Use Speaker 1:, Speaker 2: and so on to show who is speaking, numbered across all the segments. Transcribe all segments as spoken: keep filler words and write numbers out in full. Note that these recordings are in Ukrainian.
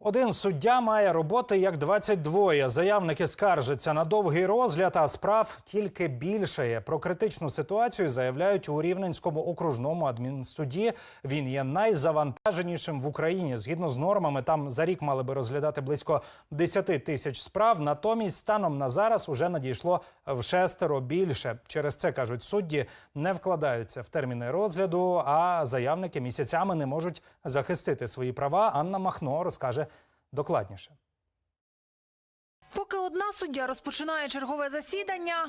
Speaker 1: Один суддя має роботи як двадцять два. Заявники скаржаться на довгий розгляд, а справ тільки більшає. Про критичну ситуацію заявляють у Рівненському окружному адмінсуді. Він є найзавантаженішим в Україні. Згідно з нормами, там за рік мали би розглядати близько десяти тисяч справ. Натомість, станом на зараз уже надійшло в шестеро більше. Через це, кажуть судді, не вкладаються в терміни розгляду, а заявники місяцями не можуть захистити свої права. Анна Махно розкаже докладніше.
Speaker 2: Поки одна суддя розпочинає чергове засідання,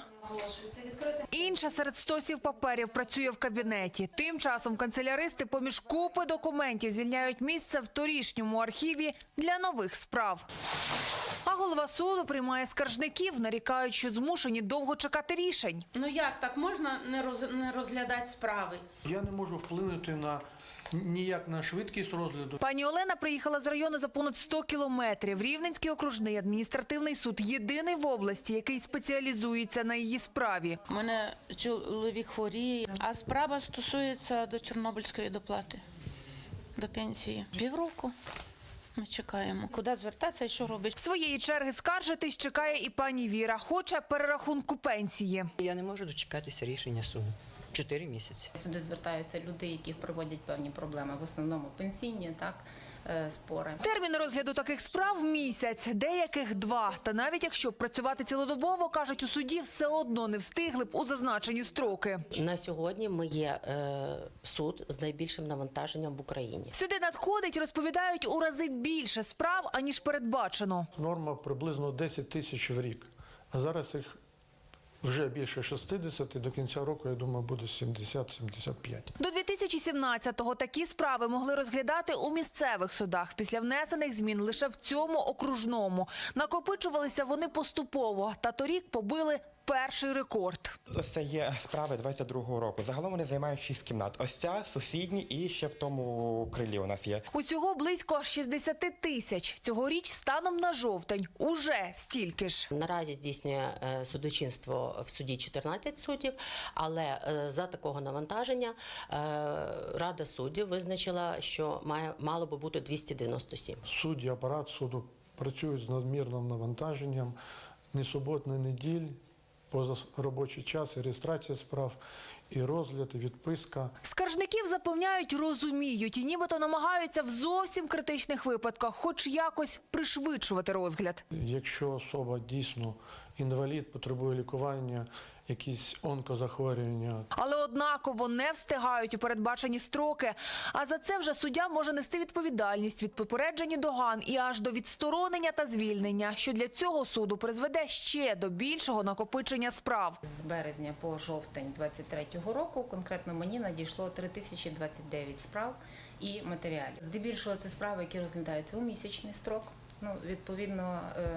Speaker 2: інша серед стосів паперів працює в кабінеті. Тим часом канцеляристи поміж купи документів звільняють місце в торішньому архіві для нових справ. А голова суду приймає скаржників, нарікають, що змушені довго чекати рішень.
Speaker 3: Ну як так можна не, роз, не розглядати справи?
Speaker 4: Я не можу вплинути на ніяк на швидкість розгляду.
Speaker 2: Пані Олена приїхала з району за понад сто кілометрів. Рівненський окружний адміністративний суд – єдиний в області, який спеціалізується на її справі.
Speaker 3: У мене чоловік хворіє, а справа стосується до Чорнобильської доплати, до пенсії. Півроку ми чекаємо. Куди звертатися і що робити?
Speaker 2: Своєї черги скаржитись чекає і пані Віра. Хоче перерахунку пенсії.
Speaker 5: Я не можу дочекатися рішення суду. Чотири місяці.
Speaker 6: Сюди звертаються люди, яких приводять певні проблеми, в основному пенсійні, так, спори.
Speaker 2: Термін розгляду таких справ – місяць, деяких – два. Та навіть якщо б працювати цілодобово, кажуть у суді, все одно не встигли б у зазначені строки.
Speaker 7: На сьогодні ми є е, суд з найбільшим навантаженням в Україні.
Speaker 2: Сюди надходить, розповідають, у рази більше справ, аніж передбачено.
Speaker 4: Норма приблизно десять тисяч в рік, а зараз їх вже більше шістдесят, до кінця року, я думаю, буде сімдесят - сімдесят п'ять.
Speaker 2: До дві тисячі сімнадцятого такі справи могли розглядати у місцевих судах. Після внесених змін лише в цьому окружному. Накопичувалися вони поступово, та торік побили перший рекорд.
Speaker 8: Ось це є справи двадцять другого року. Загалом вони займають шість кімнат. Ось ця, сусідні і ще в тому крилі у нас є.
Speaker 2: Усього близько шістдесят тисяч. Цьогоріч станом на жовтень уже стільки ж.
Speaker 7: Наразі здійснює е, судочинство в суді чотирнадцять суддів, але е, за такого навантаження е, Рада суддів визначила, що має, мало би бути двісті дев'яносто сім.
Speaker 4: Судді, апарат суду працюють з надмірним навантаженням, ні субот, ні неділь, поза робочий час, і реєстрація справ, і розгляд, і відписка.
Speaker 2: Скаржників запевняють, розуміють і нібито намагаються в зовсім критичних випадках хоч якось пришвидшувати розгляд.
Speaker 4: Якщо особа дійсно інвалід, потребує лікування, якісь онкозахворювання.
Speaker 2: Але однаково не встигають у передбачені строки. А за це вже суддя може нести відповідальність від попередження доган і аж до відсторонення та звільнення, що для цього суду призведе ще до більшого накопичення справ.
Speaker 6: З березня по жовтень двадцять третього року конкретно мені надійшло три тисячі двадцять дев'ять справ і матеріалів. Здебільшого це справи, які розглядаються у місячний строк. Ну, відповідно,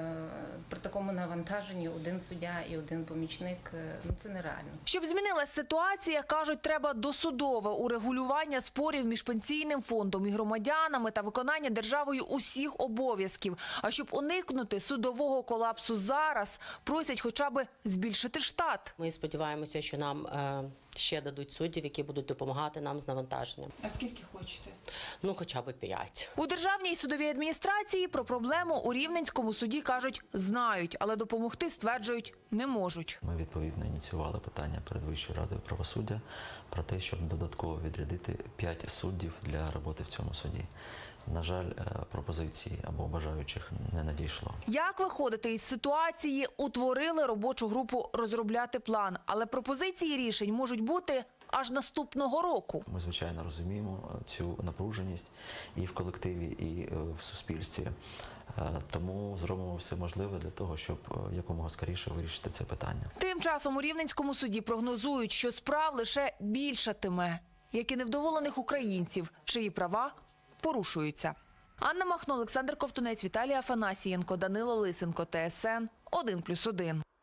Speaker 6: при такому навантаженні один суддя і один помічник, ну, це нереально.
Speaker 2: Щоб змінилась ситуація, кажуть, треба досудове урегулювання спорів між пенсійним фондом і громадянами та виконання державою усіх обов'язків. А щоб уникнути судового колапсу зараз, просять хоча б збільшити штат.
Speaker 7: Ми сподіваємося, що нам е, ще дадуть суддів, які будуть допомагати нам з навантаженням.
Speaker 3: А скільки хочете?
Speaker 7: Ну, хоча б п'ять.
Speaker 2: У Державній судовій адміністрації про проблему у Рівненському суді, кажуть, знають, але допомогти, стверджують, не можуть.
Speaker 9: Ми відповідно ініціювали питання перед Вищою радою правосуддя про те, щоб додатково відрядити п'ять суддів для роботи в цьому суді. На жаль, пропозиції або бажаючих не надійшло.
Speaker 2: Як виходити із ситуації? Утворили робочу групу розробляти план. Але пропозиції рішень можуть бути аж наступного року.
Speaker 9: Ми, звичайно, розуміємо цю напруженість і в колективі, і в суспільстві. Тому зробимо все можливе для того, щоб якомога скоріше вирішити це питання.
Speaker 2: Тим часом у Рівненському суді прогнозують, що справ лише більшатиме, як і невдоволених українців, чиї права порушуються. Анна Махно, Олександр Ковтунець, Віталій Афанасієнко, Данило Лисенко, Т С Н один плюс один.